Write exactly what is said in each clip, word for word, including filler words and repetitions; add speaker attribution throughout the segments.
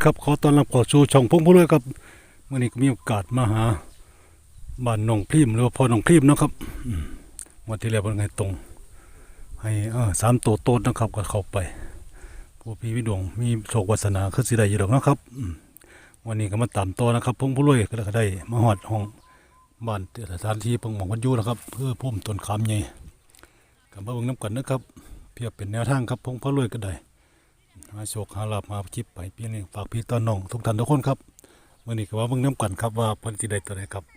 Speaker 1: ครับขอต้อนรับเข้าสู่ช่องพงษ์ผู้รวยครับวันนี้ก็มีโอกาสมาหาบ้านหนองพริมหรือว่าพ่อหนองพริมนะครับวันที่แล้วเป็นไงตรงให้เออสามตัวโต้นนะครับก็เข้าไปผู้พี่วิดวงมีโชควาสนาคือสิได้อยู่ดอกนะครับวันนี้ก็มาตามต่อนะครับพงษ์ผู้รวยก็ได้มาฮอดห้องบ้านสถานที่พงษ์หมองพันยูนะครับเพื่อพุ่มต้นขามใหญ่กับมาเบิ่งน้ำกันนะครับเพียบเป็นแนวทางครับพงษ์ผู้รวยก็ได้หาโชคหาลาภมาจิบไปพี่นี่ฝากพี่ตอนน้องทุกท่านทุกคนครับวันนี้ก็ว่าเบิ่งน้ำกันครับว่าเพิ่นสิได้ตัวใดครับ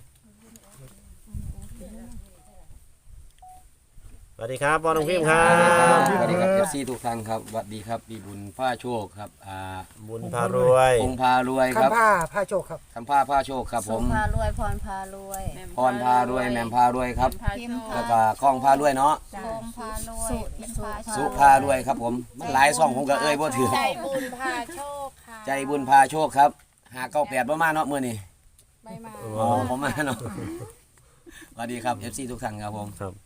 Speaker 2: สวัสดีครับพ่อน้องพิมพ์ครับ
Speaker 3: สวัสดีครับเอฟซีทุกท่านครับสวัสดีครับปีบุญผ้าโชคครับอ่า
Speaker 2: บุญพารวย
Speaker 3: องค์พารวยครับ
Speaker 4: คำผ้าผ้าโชคครับ
Speaker 3: คำผ้าผ้าโชคครับผ
Speaker 5: สุ
Speaker 3: ม
Speaker 5: พารวยพรพารวย
Speaker 3: พรพารวยแหม่มพารวยครับ
Speaker 5: พิมพ์
Speaker 3: แล้วก็คล้องพารวยเนาะ
Speaker 5: โคมพารวยพิมพ์พา
Speaker 3: สุพารวยครับผมมันหลายซ่องผมก็เอ้ยบ่ถือ
Speaker 6: ใจบุญพาโชคค่ะ
Speaker 3: ใจบุญพาโชคครับหาเก้าแปดประมาณเนาะมื้อนี้
Speaker 6: ไม่มา
Speaker 3: อ๋อผมมาเนาะสวัสดีครับ เอฟ ซี ทุกท่านครับผม
Speaker 2: ครับ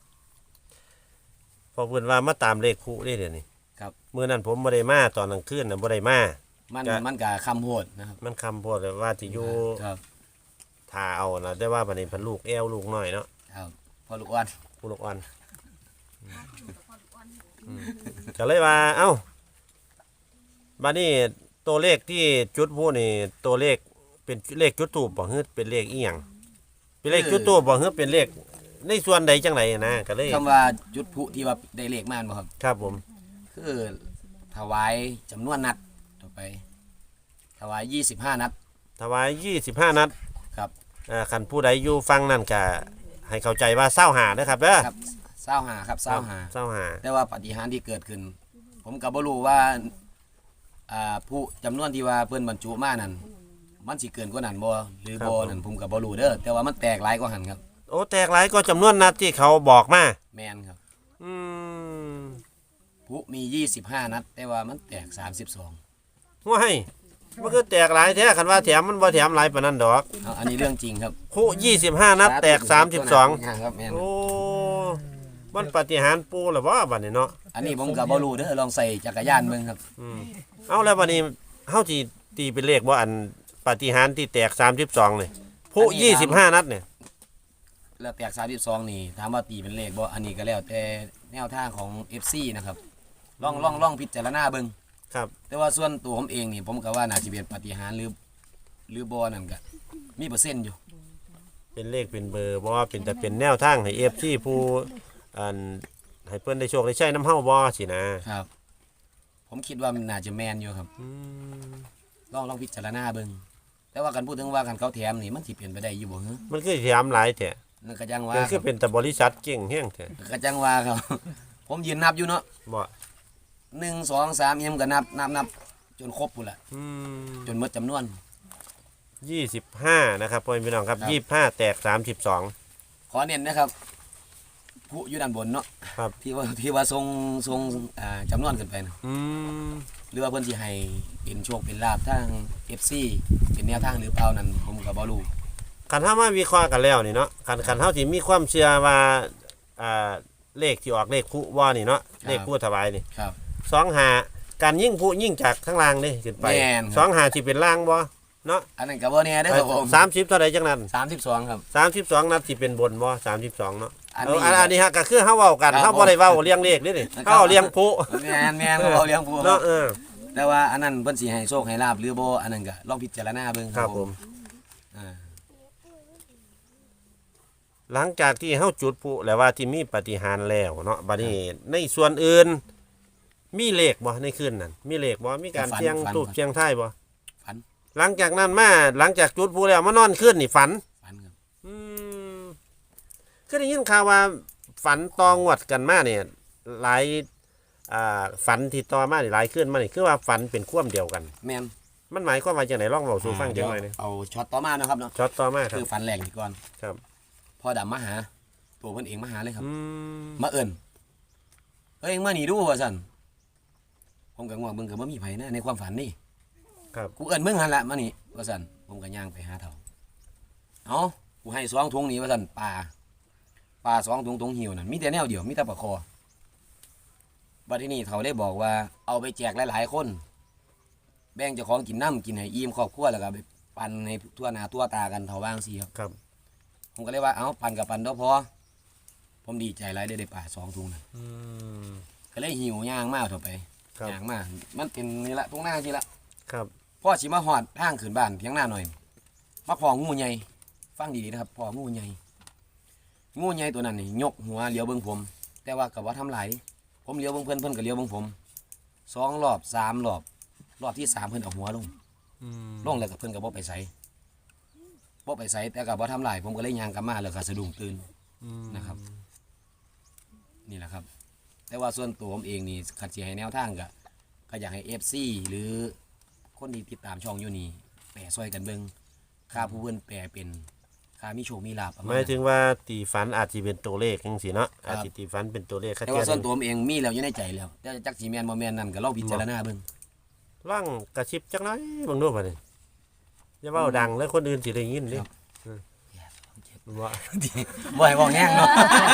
Speaker 2: พอเพิ่นว่ามาตามเลขคู่ได้เดี๋ยวนี้
Speaker 3: ครับ
Speaker 2: มื้อนั้นผมบ่ได้มาตอนกลางคืนน่ะบ่ได้มา
Speaker 3: มัน
Speaker 2: ก็
Speaker 3: มันก็คำโหดนะครับ
Speaker 2: มันคำโพดเลยว่าสิอยู่
Speaker 3: ครับ
Speaker 2: ท่าเอานะแต่ว่าบัดนี้เพิ่นลูกแอวลูกน้อยเนาะ
Speaker 3: ครับพอลูกอ้วน
Speaker 2: ผู้ลูกอ่อนอืมก็เลยว่าเอ้าบัดนี้ตัวเลขที่จุดผู้นี่ตัวเลขเป็นเลขจุดทูปบ่ฮึเป็นเลขอีหยังเป็นเลขจุดทูปบ่ฮึเป็นเลขในส่วนใดจังไดนะก็เลย
Speaker 3: คำว่าจุดพลุที่ว่าได้เลขมาบ่ครับ
Speaker 2: ครับผม
Speaker 3: คือถวายจำนวนนัดต่อไป ถวายยี่สิบห้านัด
Speaker 2: ถวายยี่สิบห้านัด
Speaker 3: ครับ
Speaker 2: อ่าคันผู้ใดอยู่ฟังนั่นก็ให้เข้าใจว่าเศร้าหานะครับเด้อ
Speaker 3: ครับเศร้าหาครับเศร้าหา
Speaker 2: เศร้าหา
Speaker 3: แต่ว่าปาฏิหาริย์ที่เกิดขึ้น ผมก็บ่รู้ว่าอ่าผู้จำนวนที่ว่าเพิ่นบรรจุมานั่นมันสิเกินกว่านั้นบ่หรือบ่นั่นผมก็บ่รู้เด้อแต่ว่ามันแตกหลายกว่าหันครับ
Speaker 2: โอ้แตกหลายก็จำนวนนัดที่เขาบอกมา
Speaker 3: แมนครับ
Speaker 2: อืม
Speaker 3: ผู้มียี่สิบห้านัด แต่ว่ามันแตกสามสิบสอง
Speaker 2: ว้ายมันคือแตกหลายแท้คันว่าแถมมันบ่แถมหลายปานนั้นดอก
Speaker 3: เอาอันนี้เรื่องจริงครับ
Speaker 2: คู่ยี่สิบห้านัดแตกสามสิบสอง
Speaker 3: ครับแม่น
Speaker 2: โอ้มันปาฏิหาริย์ปูหรือว่าบัดนี้เนาะ
Speaker 3: อันนี้ผมก็บ่รู้เด้อลองใส่จักรยานเบิ่งครับ
Speaker 2: อืมเอาแล้วบัดนี้เฮาสิตีเป็นเลขบ่อันปาฏิหาริย์ที่แตกสามสิบสองเลยผู้ยี่สิบห้านัดเนี่ย
Speaker 3: แล้วแตกสามสิบสองนี่ถามว่าตีเป็นเลขบ่อันนี้ก็แล้วแต่แนวทางของ เอฟ ซี นะครับลองลองลองพิจารณาเบิ่ง
Speaker 2: ครับ
Speaker 3: แต่ว่าส่วนตัวผมเองนี่ผมก็ว่าน่าจะเป็นปาฏิหาริย์หรือหรือบ่นั่นก็มีเปอร์เซ็นต์อยู่
Speaker 2: เป็นเลขเป็นเบอร์บ่ว่าเป็นแต่เป็นแนวทางให้ เอฟ ซี ผู้อันให้เพิ่นได้โชคได้ใช้น้ำเฮาบ่สินะครับ
Speaker 3: ผมคิดว่ามันน่าจะแม่นอยู่ครับ
Speaker 2: อืม
Speaker 3: ลองลองพิจารณาเบิ่งแต่ว่ากันพูดถึงว่ากันเขาแถมนี่มันสิเปลี่ยนไปได้อยู่บ่ฮะ
Speaker 2: มันคือแถมหลายแท้
Speaker 3: นั่นก็จังว่า
Speaker 2: มันคือเป็นแต่บริษัทเก่งแฮงแท้
Speaker 3: ก็จังว่าครับ ผมยืนนับอยู่เนาะ
Speaker 2: บ่
Speaker 3: หนึ่งสองสามเอ็มก็นับนับนับจนครบพุ่นละ
Speaker 2: อืม
Speaker 3: จนหมดจำนวน
Speaker 2: ยี่สิบห้านะครับพ่อพี่น้องครับ
Speaker 3: ครับ
Speaker 2: ยี่สิบห้าแตกสามสิบสอง
Speaker 3: ขอเน้นนะครับผู้อยู่ด้านบนเนาะ
Speaker 2: ครับ
Speaker 3: ที่ว่าที่ว่าทรงทรงอ่าจำนวนขึ้นไปนะ
Speaker 2: อืม
Speaker 3: หรือว่าเพิ่นสิให้เป็นโชคเป็นลาภทาง เอฟ ซี เป็นแนวทางหรือเปล่านั้นผมก็บ่รู้
Speaker 2: คันเฮามาวิเคราะห์กันแล้วนี่เนาะคันคันเฮาสิมีความเชื่อว่าอ่าเลขที่ออกเลขผู้ว่านี่เนาะเลขผู้ถวายนี่
Speaker 3: ครับ
Speaker 2: สองหาการยิ่งผู้ยิ่งจากข้างล่างนี่ขึ้นไป
Speaker 3: แม่นครับ
Speaker 2: สองหาสิเป็นล่างบ่เนาะ
Speaker 3: อันนั้นก็บ่แน่เด้อครับผม
Speaker 2: สามสิบเท่าใดจังนั้น
Speaker 3: สามสิบสองครับ
Speaker 2: สามสิบสองนัดสิเป็นบนบ่สามสิบสองเนาะ
Speaker 3: อัน
Speaker 2: เอ
Speaker 3: นี้
Speaker 2: ออันอันนี้ฮะก็คือเฮาเว้ากัน
Speaker 3: ครับ
Speaker 2: เฮาบ่ได้เว้าเลี้ยงเลขนี่นี่
Speaker 3: ครับ
Speaker 2: เฮาเอาเลี้ยงผู้
Speaker 3: แม่นแม่นเขาเลี้ยงผู้ครั
Speaker 2: เนาะ
Speaker 3: บ
Speaker 2: เออ
Speaker 3: แต่ว่าอันนั้นเพิ่นสิให้โชคให้ลาภหรือบ่อันนั้นก็ลองพิจารณาเบิ่ง
Speaker 2: ครับผม
Speaker 3: อ่า
Speaker 2: หลังจากที่เฮาจุดพลุแล้วว่าที่มีปาฏิหาริย์แล้วเนาะบัดนี้ในส่วนอื่น มีเลขบ่ในคืนนั้นมีเลขบ่มีการเสียงตูบเสียงท้ายบ่
Speaker 3: ฝัน
Speaker 2: หลังจากนั้นมาหลังจากจุดพลุแล้วมานอนคืนนี่ฝัน
Speaker 3: ฝันครับ
Speaker 2: อืมคือได้ยินข่าวว่าฝันตองวดกันมาเนี่ยหลายอ่าฝันที่ต่อมานี่หลายคืนมานี่คือว่าฝันเป็นความเดียวกัน
Speaker 3: แม่น
Speaker 2: มันหมายความว่าจังได๋ลองเว้าสู่ฟังจังหน่อย
Speaker 3: เดี๋
Speaker 2: นึ
Speaker 3: ยว
Speaker 2: ง
Speaker 3: เอาช็อตต่อมานะครับเนาะ
Speaker 2: ช็อตต่อมาครั
Speaker 3: คื
Speaker 2: บ
Speaker 3: อฝันแรกนี่ก่อน
Speaker 2: ครับ
Speaker 3: พ่อดำมาหาตัวเพิ่นเองมาหาเลยครับ
Speaker 2: อืม
Speaker 3: มาเอิ้นเฮ้ยมานี่ดูว่าซั่นผมก็ง่วงเบิ่งก็บ่มีไผนะในความฝันนี่
Speaker 2: ครับ
Speaker 3: กูเอิ้นมึงหั่นละมานี่ว่าซั่นผมก็ย่างไปหาเฒ่าเอ้ากูให้สองถุงนี่ว่าซั่นปลาปลาสองถุงถุงหิวนั่นมีแต่แนวเดียวมีแต่ปลาคอบัดทีนี้เฒ่าได้บอกว่าเอาไปแจกหลายๆคนแบ่งเจ้าของกินน้ำกินให้อิ่มครอบครัวแล้วก็ไปปั่นให้ทั่วหน้าทั่วตากันเท่าว่างสิครับ
Speaker 2: ครับ
Speaker 3: ผมก็เลยว่าเอ้าปั่นกับปั่นเด้อพอผมดีใจหลายได้ได้ปลาสองถุงนะ
Speaker 2: อืม
Speaker 3: ก็เลยหิวย่างมากเถอะไป
Speaker 2: ครับ
Speaker 3: ย่างมากมันเป็นนี่ละตรงหน้าสิละ
Speaker 2: ครับ
Speaker 3: พ่อสิมาหอดทางขึ้นบ้านเพียงหน้าหน่อยมาพองูใหญ่ฟังดีๆนะครับพองูใหญ่งูใหญ่ตัวนั้นนี่ยกหัวเลี้ยวเบิ่งผม แต่ว่ากับว่าทำหลายผมเลี้ยวเบิ่งเพิ่นเพิ่นก็เลี้ยวเบิ่งผมสองรอบสามรอบรอบที่สามเพิ่นเอาหัวลง
Speaker 2: อืม
Speaker 3: ลงแล้วก็เพิ่นก็บ่ไปใส่บ่ไปใส่แต่ก็บ่ทำหลายผมก็เลยย่างกลับมาแล้วก็สะดุ้งตื่น
Speaker 2: อืม
Speaker 3: นะครับ นี่แหละครับ แต่ว่าส่วนตัวผมเองนี่ขัดสิให้แนวทางก็ก็อยากให้ เอฟ ซี หรือคนที่ติดตามช่องอยู่นี่แปรซอยกันเบิ่งค่าผู้เพิ่นแปรเป็นค่ามีโชคมีลาภประ
Speaker 2: ห
Speaker 3: มาณ
Speaker 2: มายถึงว่าตีฝันอาจจะเป็นตัวเลขจังซี่เนาะ
Speaker 3: ครับ
Speaker 2: อาจจะตีฝันเป็นตัวเลข
Speaker 3: แต่ว่าส่วนตัวผมเองมีแล้วอยู่ในใจแล้วแต่จักสิแม่นบ่แม่นนั่นก็ลองพิจารณาเบิ่ง
Speaker 2: ร่างกระชิบจักหน้อยเบิ่งดูบัดนี้อย่าเว้าดังแล้วคนอื่นสิได้ยินเด้
Speaker 3: ครับ
Speaker 2: อืมว่า
Speaker 3: บ่ให้เว้าแห้งเนาะ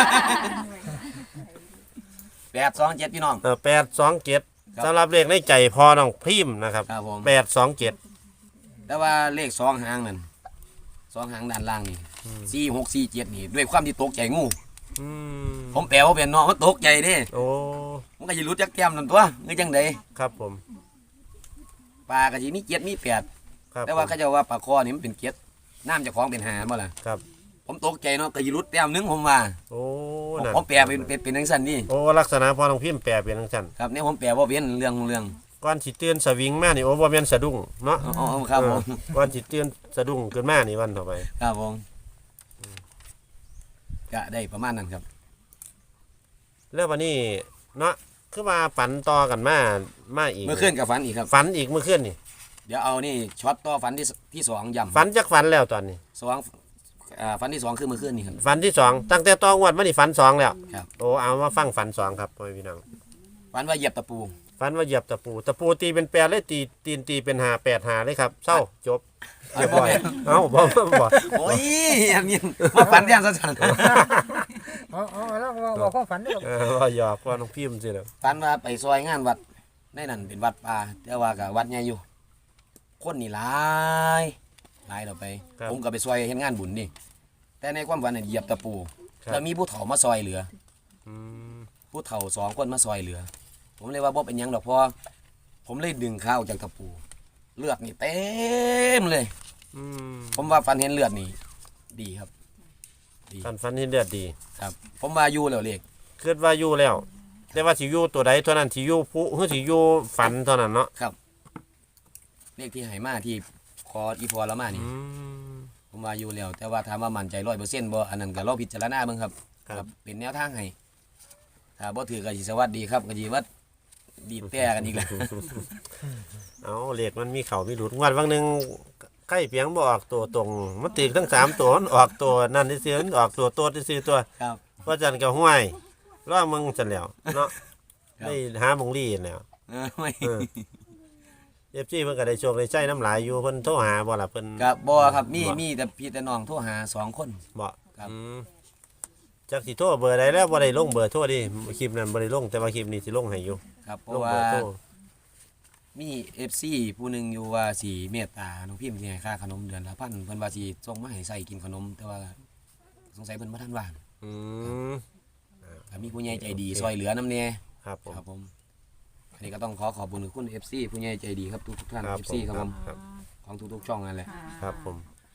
Speaker 3: แปดสองเจ็ดพี่น้อง
Speaker 2: เออแปดสองเจ็ด
Speaker 3: ครับ
Speaker 2: สำหรับเลขในใจพอน้องพิมพ์นะครับ
Speaker 3: ครับผม
Speaker 2: แปดสองเจ็ด
Speaker 3: แต่ว่าเลขสองหางนั่นสองหางด้านล่างนี่สี่หกสี่เจ็ดนี่ด้วยความที่ตกใจงู
Speaker 2: อืม
Speaker 3: ผมแปลว่าเป็นเนาะมันตกใจเด้
Speaker 2: โอ้
Speaker 3: มันก็สิรู้จักแก้มนั่นตัวเงยจังได
Speaker 2: ครับผม
Speaker 3: ปลาก็สิมีเจ็ดมีแปด
Speaker 2: ครับ
Speaker 3: แต่ว่า
Speaker 2: ผม
Speaker 3: เขาเจะว่าปลาคอนี่มันเป็นเจ็ดน้ำเจะคล้าของเป็นหาบ่ล่ะ
Speaker 2: ครับ
Speaker 3: ผมตกใจเนาะก็สิรู้แต้มหนึงผมว่า
Speaker 2: โอ้
Speaker 3: ผม
Speaker 2: นั่น
Speaker 3: ผมแปลเป็นเป็นเป็นจังซั่นนี่
Speaker 2: โอ้ลักษณะพอน้องพิมพ์แปลเป็นจังซั่น
Speaker 3: ครับเนี่ยผมแปลว่าเป็นเรื่องเรื่อง
Speaker 2: ก่อนสิเตือนสวิงมานี่โอ้บ่แม่นสะดุ้งเนาะ
Speaker 3: อ๋อครับผม
Speaker 2: เออก่อนสิเตือนสะดุ้งขึ้นมานี่วันต่อไป
Speaker 3: ครับผมก็ได้ประมาณนั้นครับ
Speaker 2: แล้ววันนี้เนาะคือว่าฝันต่อกันมามาอีก
Speaker 3: เมื่อคืนกับฝันอีกครับ
Speaker 2: ฝันอีกเมื่อคืนนี่
Speaker 3: เดี๋ยวเอานี่ช็อตต่อฝันที่สที่สองย่ำ
Speaker 2: ฝันจักฝันแล้วตอนนี้
Speaker 3: สองอ่าฝันที่สองคือเมื่อคืนนี่ครับ
Speaker 2: ฝันที่สองตั้งแต่ตองวดมานี่ฝันสองแล้ว
Speaker 3: ครับ
Speaker 2: โอ้เอามาฟังฝันสองครับพ่อพี่น้อง
Speaker 3: ฝันว่าเหยียบตะปู
Speaker 2: ฝันว่าเหยียบตะปูตะปูตีเป็นแปดเลยตีตีนตีเป็นหาแปดหาเลยครับเศร้าจบเรียบร้อยเอ้าบ่บ่บ่
Speaker 3: โอ้ยอันนี้มาฝันแย่งสัน
Speaker 4: อ๋ออ๋อแล้วบอกบอกความฝันด้วย
Speaker 2: เออว่าหยอกว่าน้องพิมพ์สิแล้ว
Speaker 3: ฝันว่าไปซอยงานวัดในนั้นเป็นวัดป่าแต่ว่ากับวัดใหญ่อยู่ คนนี่หลายหลายเราไป ผมก็ไปซอยเห็นงานบุญนี่แต่ในความฝันเนี่ยเหยียบตะปูแล้วมีผู้เฒ่ามาซอยเหลือ
Speaker 2: อืม
Speaker 3: ผู้เฒ่าสองคนมาซอยเหลือ ผมเลยว่าบ่เป็นหยังดอกเพอผมเลยดึงข้าวจากตะปู เลือดนี่เต็มเลย
Speaker 2: อืม
Speaker 3: ผมว่าฝันเห็นเลือดนี่ดีครับ
Speaker 2: ฝันฝันเห็นเลือดดี
Speaker 3: ครับ ผมว่าอยู่แล้วเลข
Speaker 2: คิดว่าอยู่แล้ว แต่ว่าสิอยู่ตัวใดตัวนั้นสิอยู่ผู้หรือสิอยู่ฝันเท่านั้นเนาะ
Speaker 3: ครับ เลขที่ไหมาที่คออีพอละมานี่
Speaker 2: อืม
Speaker 3: ผมว่าอยู่แล้ว แต่ว่าถามว่ามั่นใจร้อยเปอร์เซ็นต์บ่อันนั้นก็รอพิจารณาเบิ่งครับ
Speaker 2: ครับ
Speaker 3: เป็นแนวทางให้ถ้าบ่ถือก็สิสวัสดีครับก็สิว่าดีดแต่กันอีกแล้ว
Speaker 2: เอาเลขมันมีเข่ามีหลุดงวดวันหนึงใกล้เพียงบ่ออกตัวตรงมันติดทั้งสามตัวมันออกตัวนั่นซื่อๆมันออกตัวโตซื่อๆตัว
Speaker 3: ครับ
Speaker 2: เพราะจันก็ห้วยรอมึงจันแล้วเนาะ
Speaker 3: ครับ
Speaker 2: ได้หาบงลี่แล้ว
Speaker 3: เออไม่
Speaker 2: เออ เอฟซีเพิ่นก็ได้โชคได้ใจน้ำหลายอยู่เพิ่นโทรหาบ่ล่ะเพิ่น
Speaker 3: ครับบ่ครับมี
Speaker 2: บ่
Speaker 3: มีแต่พี่แต่น้องโทรหาสองคน
Speaker 2: บ่
Speaker 3: ครับ
Speaker 2: อืมจักสิโทรเบอร์ใดแล้วบ่ได้ลงเบอร์โทรดิคลิปนั้นบ่ได้ลงแต่ว่าคลิปนี้สิลงให้อยู่
Speaker 3: ครับเพ
Speaker 2: ล
Speaker 3: ราะ
Speaker 2: ง
Speaker 3: ว่า
Speaker 2: เบอร์โทร
Speaker 3: มี เอฟ ซี ผู้หนึงอยู่ว่าสิเมตตาน้องพิมพ์สิให้ค่าขนมเดือนละพันเพิ่นว่าสิส่งมาให้ใส่กินขนม แต่ว่าสงสัยเพิ่นบ่ทันว่าง
Speaker 2: อืม
Speaker 3: ก็มีผู้ใหญ่ใจดีซอยเหลือน้ำแน่
Speaker 2: ครับผม
Speaker 3: ครับผมอันนี้ก็ต้องขอขอบคุณคุณ เอฟ ซี ผู้ใหญ่ใจดีครับทุกๆท่าน
Speaker 2: ครับ
Speaker 3: เอฟ ซี ครับผม
Speaker 2: ครับ
Speaker 3: ของทุกๆช่องนั่นแหละ
Speaker 2: ครับผม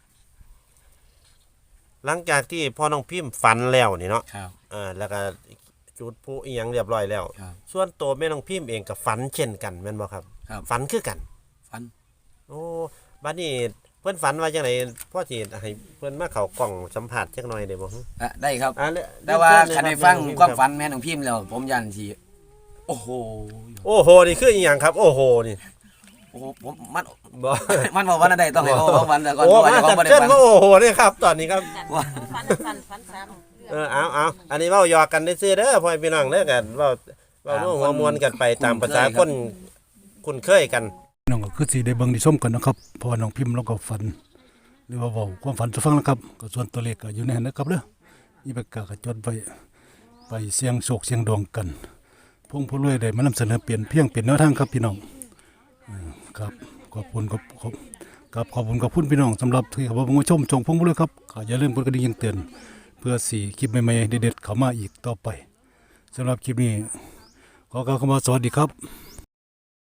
Speaker 2: หลังจากที่พ่อน้องพิมพ์ฝันแล้วนี่เนาะ
Speaker 3: ครับ
Speaker 2: อ่าแล้วก็จุดพลุอีหยังเรียบร้อยแล้ว
Speaker 3: ครับ
Speaker 2: ส่วนตัวแม่น้องพิมพ์เองก็ฝันเช่นกันแม่นบ่ครับ
Speaker 3: ครับ
Speaker 2: ฝันคือกัน
Speaker 3: ฟัน
Speaker 2: โอ้บัดนี้เพิ่นฝันว่าจังไดพ่อสิให้เพิ่นมาเข้ากล่องสัมผัสจักหน่อยได้บ่ฮึ
Speaker 3: อ่ะได้ครับ
Speaker 2: อ่าเย
Speaker 3: แต่ว่า
Speaker 2: เชิญเลย
Speaker 3: คัน
Speaker 2: รับ
Speaker 3: ได้ฟัง
Speaker 2: แน้อ
Speaker 3: ความ
Speaker 2: รับ
Speaker 3: ฝันแม่น้องพิมพ์แล้ว ผมยันทีโอ้โห
Speaker 2: โอ้โหนี่คืออีหยังครับ โอ้โหนี่
Speaker 3: โอ้โหผมมัน
Speaker 2: บ่
Speaker 3: มันบอกว่าอะไรต้องให้เขาเขาฝันแต่ก่อน
Speaker 2: โอ้
Speaker 3: เพราะ
Speaker 2: มา
Speaker 3: ว่า
Speaker 2: จั
Speaker 3: เขา
Speaker 2: บ
Speaker 3: ไม่ได้
Speaker 2: เชิญ
Speaker 3: ฝัน
Speaker 2: ก็โอ้โหนี่ครับ ตอนนี้ครับ
Speaker 3: ว่า
Speaker 6: ฟันฟันฟันซ้
Speaker 2: เออเอาเอาอันนี้เว้าหยอกกันซื่อๆเด้อพ่อพี่น้องเด้อกันเว้าเว้าโน้หัวมวนกันไปตามภาษาคนคุ้นเคยกัน
Speaker 1: น้องก็คือสิได้เบิ่งได้ชมกันนะครับเพราะว่าน้องพิมพ์แล้วก็ฝัน หรือว่าเว้าความฝันจะฟังนะครับก็ส่วนตัวเลขก็อยู่ในนั้นนะครับเด้อมีปากกาก็จดไว้ไปเสี่ยงโชคเสี่ยงดวงกัน พงผู้รวยได้มานำเสนอเปลี่ยนเพียงเปลี่ยนแนวทางครับพี่น้องอืมครับขอบคุณขอบขอบกับขอบคุณขอบคุณพี่น้องสำหรับที่เขามาชมชมพงษ์เลยครับก็อย่าลืมกดกระดิ่งแจ้งเตือนเพื่อสี่คลิปใหม่ๆเด็ดๆเข้ามาอีกต่อไปสำหรับคลิปนี้ขอกล่าวคำว่าสวัสดีครับ